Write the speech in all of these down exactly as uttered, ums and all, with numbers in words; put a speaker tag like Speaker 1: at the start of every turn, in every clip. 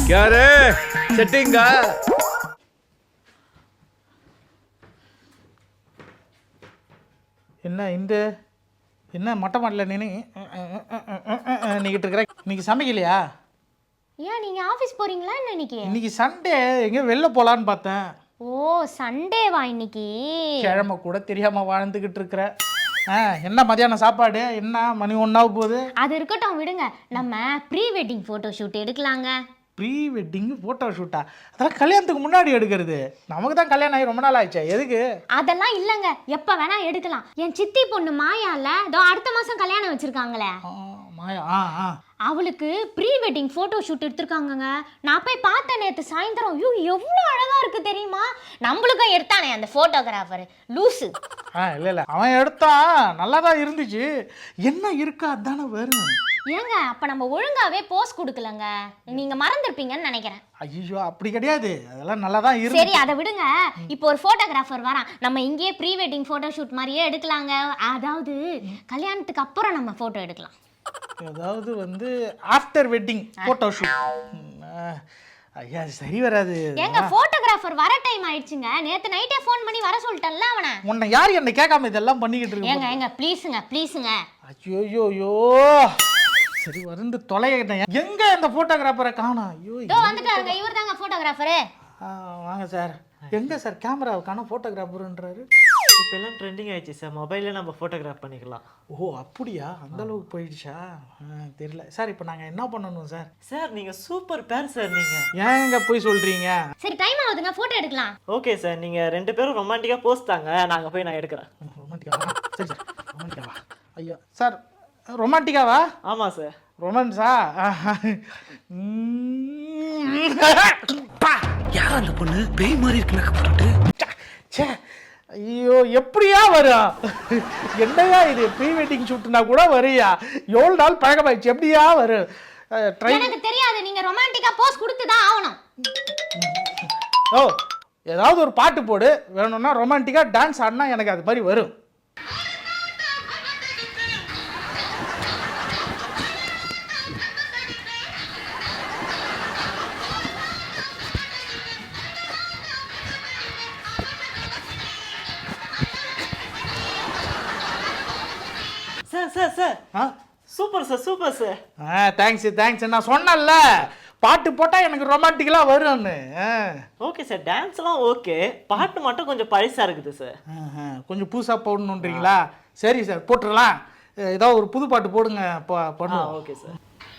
Speaker 1: யாரு செட்டிங்கா?
Speaker 2: என்ன இந்த என்ன மொட்டை மாடல நின்று நீக்கிட்டு இருக்கிற? இன்னைக்கு சமைக்கலையா?
Speaker 3: ஏன் நீங்க ஆபீஸ் போறீங்களா என்ன இன்னைக்கு?
Speaker 2: இன்னைக்கு சண்டே, எங்க வெளில போலான்னு பார்த்தேன்.
Speaker 3: ஓ சண்டேவா இன்னைக்கு?
Speaker 2: கிழமை கூட தெரியாம வாழ்ந்துகிட்டு இருக்கிற. ஆ என்ன மதியானம் சாப்பாடு? என்ன மணி ஒன்னாக போகுது?
Speaker 3: அது இருக்கட்டும் விடுங்க, நம்ம ப்ரீ வெட்டிங் ஃபோட்டோ ஷூட் எடுக்கலாங்க.
Speaker 2: ப்ரீ வெட்டிங் ஃபோட்டோ ஷூட்டா? அதெல்லாம் கல்யாணத்துக்கு முன்னாடி எடுக்கிறது. நமக்கு தான் கல்யாணம் ஆகி ரொம்ப நாள் ஆயிடுச்சா, எதுக்கு?
Speaker 3: அதெல்லாம் இல்லைங்க, எப்போ வேணா எடுக்கலாம். என் சித்தி பொண்ணு மாயால இதோ அடுத்த மாதம் கல்யாணம் வச்சுருக்காங்களே.
Speaker 2: மாயா? ஆ ஆ
Speaker 3: அவளுக்கு ப்ரீ வெட்டிங் ஃபோட்டோ ஷூட் எடுத்திருக்காங்கங்க. நான் போய் பார்த்தேன் நேற்று சாயந்தரம். ஐயோ எவ்வளோ அழகாக இருக்குது தெரியுமா? நம்மளுக்கும் எடுத்தானே அந்த ஃபோட்டோகிராஃபர் லூஸு.
Speaker 2: ஆ இல்லை இல்லை, அவன் எடுத்தான், நல்லா தான் இருந்துச்சு. என்ன இருக்கா அதானே வரும்.
Speaker 3: ஏங்க அப்போ நம்ம ஒழுங்காகவே போஸ் கொடுக்கலங்க, நீங்கள் மறந்துருப்பீங்கன்னு நினைக்கிறேன்.
Speaker 2: ஐயோ அப்படி கிடையாது, அதெல்லாம் நல்லா தான் இருக்கு.
Speaker 3: சரி அதை விடுங்க, இப்போ ஒரு ஃபோட்டோகிராஃபர் வரான், நம்ம இங்கேயே ப்ரீ வெட்டிங் ஃபோட்டோ ஷூட் மாதிரியே எடுக்கலாங்க. அதாவது கல்யாணத்துக்கு அப்புறம் நம்ம ஃபோட்டோ எடுக்கலாம்.
Speaker 2: அதாவது வந்து ஆஃப்டர் வெட்டிங் ஃபோட்டோ ஷூட். ஐயா சரி வராது.
Speaker 3: ஏங்க ஃபோட்டோகிராஃபர் வர டைம் ஆயிடுச்சுங்க. நேத்து நைட்டே ஃபோன் பண்ணி வர சொல்லிட்டேன்ல அவனை.
Speaker 2: உன்னை யார் என்ன கேட்காம இதெல்லாம் பண்ணிக்கிட்டு இருக்கு?
Speaker 3: ஏங்க ஏங்க ப்ளீஸுங்க ப்ளீஸுங்க.
Speaker 2: ஐயோ யோ சரி வந்து தொலைகிட்டேன். எங்க இந்த ஃபோட்டோகிராஃபரை காணோம்? ஐயோ
Speaker 3: இதோ வந்துட்டாருங்க, இவர் தாங்க ஃபோட்டோகிராஃபரு.
Speaker 2: வாங்க சார். எங்க சார் கேமராவை காணோம், ஃபோட்டோகிராஃபருன்றாரு.
Speaker 4: இப்போ எல்லாம் ட்ரெண்டிங் ஆயிடுச்சு சார், மொபைலில் நம்ம ஃபோட்டோகிராஃப் பண்ணிக்கலாம்.
Speaker 2: ஓ அப்படியா, அந்த அளவுக்கு போயிடுச்சா? தெரியல சார். இப்போ நாங்கள் என்ன பண்ணணும் சார்?
Speaker 4: சார் நீங்கள் சூப்பர் பேர் சார். நீங்கள்
Speaker 2: ஏங்க போய் சொல்கிறீங்க?
Speaker 3: சரி டைம் ஆகுதுங்க, ஃபோட்டோ எடுக்கலாம்.
Speaker 4: ஓகே சார், நீங்கள் ரெண்டு பேரும் ரொமான்டிக்காக போஸ்ட் தாங்க, நாங்கள் போய் நான் எடுக்கிறேன்.
Speaker 2: ரொமான்டிக்காவா? சரி சார் ரொமான்டிக்காவா? ஐயா சார் ரொமான்டிக்காவா?
Speaker 4: ஆமாம் சார்.
Speaker 2: ரொமான்ஸா?
Speaker 1: யார் அந்த பொண்ணு? பேய் மாதிரி இருக்கு மேக்கப் போட்டு.
Speaker 2: சே ஐயோ எப்படியா வரும்? என்னையா இது ப்ரீ வெட்டிங் ஷூட்னா கூட வரையா? எவ்வளோ நாள் பழக்கமாயிடுச்சு, எப்படியா வரும்?
Speaker 3: எனக்கு தெரியாது, நீங்க ரொமான்டிக்கா போஸ் கொடுத்து தான் ஆகணும்.
Speaker 2: ஓ ஏதாவது ஒரு பாட்டு போடு, வேணும்னா ரொமான்டிக்கா டான்ஸ் ஆடினா எனக்கு அது மாதிரி வரும்.
Speaker 4: சார் சார் சார்
Speaker 2: ஆ
Speaker 4: சூப்பர் சார் சூப்பர் சார்.
Speaker 2: ஆ தேங்க்ஸ் தேங்க்ஸ். நான் சொன்னேன்ல பாட்டு போட்டால் எனக்கு ரொமான்டிக்கலாக வரும்னு.
Speaker 4: ஓகே சார், டான்ஸ்லாம் ஓகே, பாட்டு மட்டும் கொஞ்சம் பழசாக இருக்குது சார்.
Speaker 2: கொஞ்சம் புதுசாக போடணுன்றீங்களா? சரி சார் போட்டுடலாம். ஏதாவது ஒரு புது பாட்டு போடுங்க பண்ணுவோம்.
Speaker 4: Okay sir.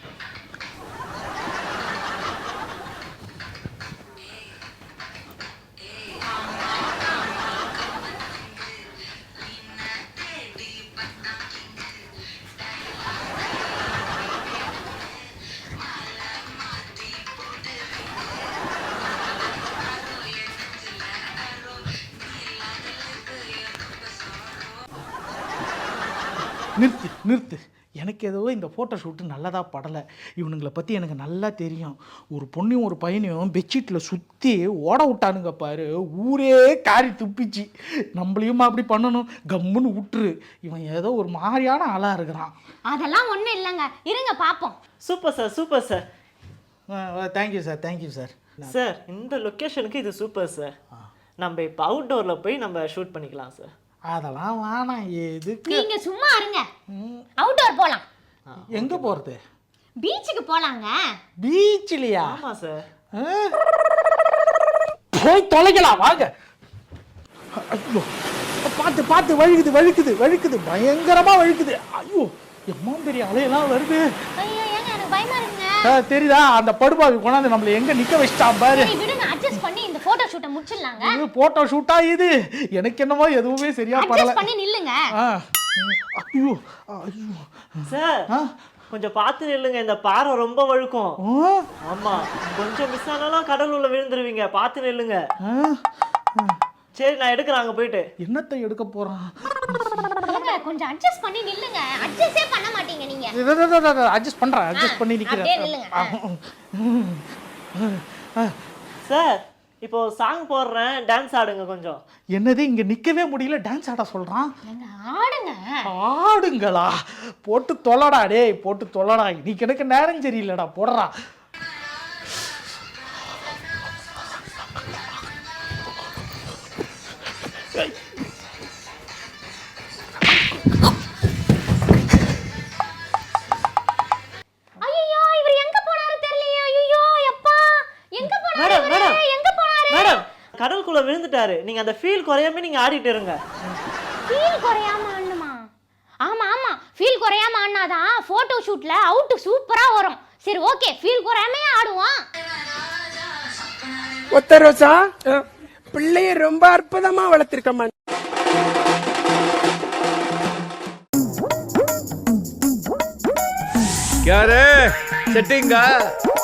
Speaker 2: நிறுத்து நிறுத்து. எனக்கு ஏதோ இந்த ஃபோட்டோ ஷூட்டு நல்லதாக படலை. இவனுங்களை பற்றி எனக்கு நல்லா தெரியும். ஒரு பொண்ணையும் ஒரு பையனையும் பெட்ஷீட்டில் சுற்றி ஓட விட்டானுங்க பாரு, ஊரே காரி துப்பிச்சு. நம்மளையும் அப்படி பண்ணணும், கம்முன்னு விட்டுரு. இவன் ஏதோ ஒரு மாதிரியான ஆளாக இருக்கிறான்.
Speaker 3: அதெல்லாம் ஒன்றும் இல்லைங்க, இருங்க பார்ப்போம்.
Speaker 4: Super sir super sir.
Speaker 2: Thank you sir thank you sir.
Speaker 4: Sir இந்த லொக்கேஷனுக்கு இது சூப்பர் சார். நம்ம இப்போ அவுட்டோரில் போய் நம்ம ஷூட் பண்ணிக்கலாம் சார்.
Speaker 2: அதெல்லாம் வேணாம், எதுக்கு?
Speaker 3: நீங்க சும்மா இருங்க, அவுட்டோர் போலாம்.
Speaker 2: எங்க போறது?
Speaker 3: பீச்சுக்கு போலாங்க.
Speaker 2: பீச்லயா?
Speaker 4: ஆமா சார்.
Speaker 2: போய் தொலைக்கலாம் வாங்க. ஐயோ பார்த்து பார்த்து, வழுக்குது வழுக்குது வழுக்குது, பயங்கரமா வழுக்குது. ஐயோ எம்மா பெரிய அலையெல்லாம் வருது.
Speaker 3: ஐயோ ஏங்க எனக்கு பயமா இருக்குங்க.
Speaker 2: தெரியுதா அந்த படுபாவி கொண்டாந்து நம்மள எங்க நிக்க வச்சிட்டான் பாரு.
Speaker 3: சரி விடுங்க, அட்ஜஸ்ட் பண்ணி இந்த போட்டோ ஷூட்டை முடிச்சிடலாங்க.
Speaker 2: இது போட்டோ ஷூட்டா? இது எனக்கு என்னமோ எதுவுமே சரியா படல.
Speaker 3: அட்ஜஸ்ட் பண்ணி நில்லுங்க.
Speaker 2: ஐயோ ஐயோ
Speaker 4: சார் கொஞ்சம் பார்த்து நில்லுங்க, இந்த பாறை ரொம்ப வழுக்கும். ஆமா கொஞ்சம் மிஸ் ஆனாலும் கடல் உள்ள விழுந்துருவீங்க, பார்த்து நில்லுங்க. சரி நான் எடுக்கிறேன், அங்க போயிட்டு.
Speaker 2: என்னத்தை எடுக்க போறான்?
Speaker 3: கொஞ்சம் அட்ஜஸ்ட் பண்ணி நில்லுங்க. அட்ஜஸ்டே பண்ண மாட்டீங்க நீங்க.
Speaker 2: அட்ஜஸ்ட் பண்றேன், அட்ஜஸ்ட் பண்ணி நிக்கிறேன்.
Speaker 4: சார் இப்போ சாங் போடுறேன், டான்ஸ் ஆடுங்க கொஞ்சம்.
Speaker 2: என்னது இங்க நிக்கவே முடியல, டான்ஸ் ஆட சொல்றான்.
Speaker 3: ஆடுங்க.
Speaker 2: ஆடுங்களா? போட்டு தொலைடா டேய், போட்டு தொலைடா. இன்னைக்கு எனக்கு நேரம் சரியில்லடா, போடுறா.
Speaker 4: இருக்காரு. நீங்க அந்த ஃபீல் குறையாம நீங்க ஆடிட்டு இருங்க.
Speaker 3: ஃபீல் குறையாம ஆடணுமா? ஆமா ஆமா ஃபீல் குறையாம ஆடினாதான் போட்டோ ஷூட்ல அவுட் சூப்பரா வரும். சரி ஓகே ஃபீல் குறையாம ஆடுவோம்.
Speaker 5: ஒத்த ரோசா பிள்ளைய ரொம்ப அற்புதமா வளர்த்திருக்கம்மா.
Speaker 1: क्या रे सेटिंग का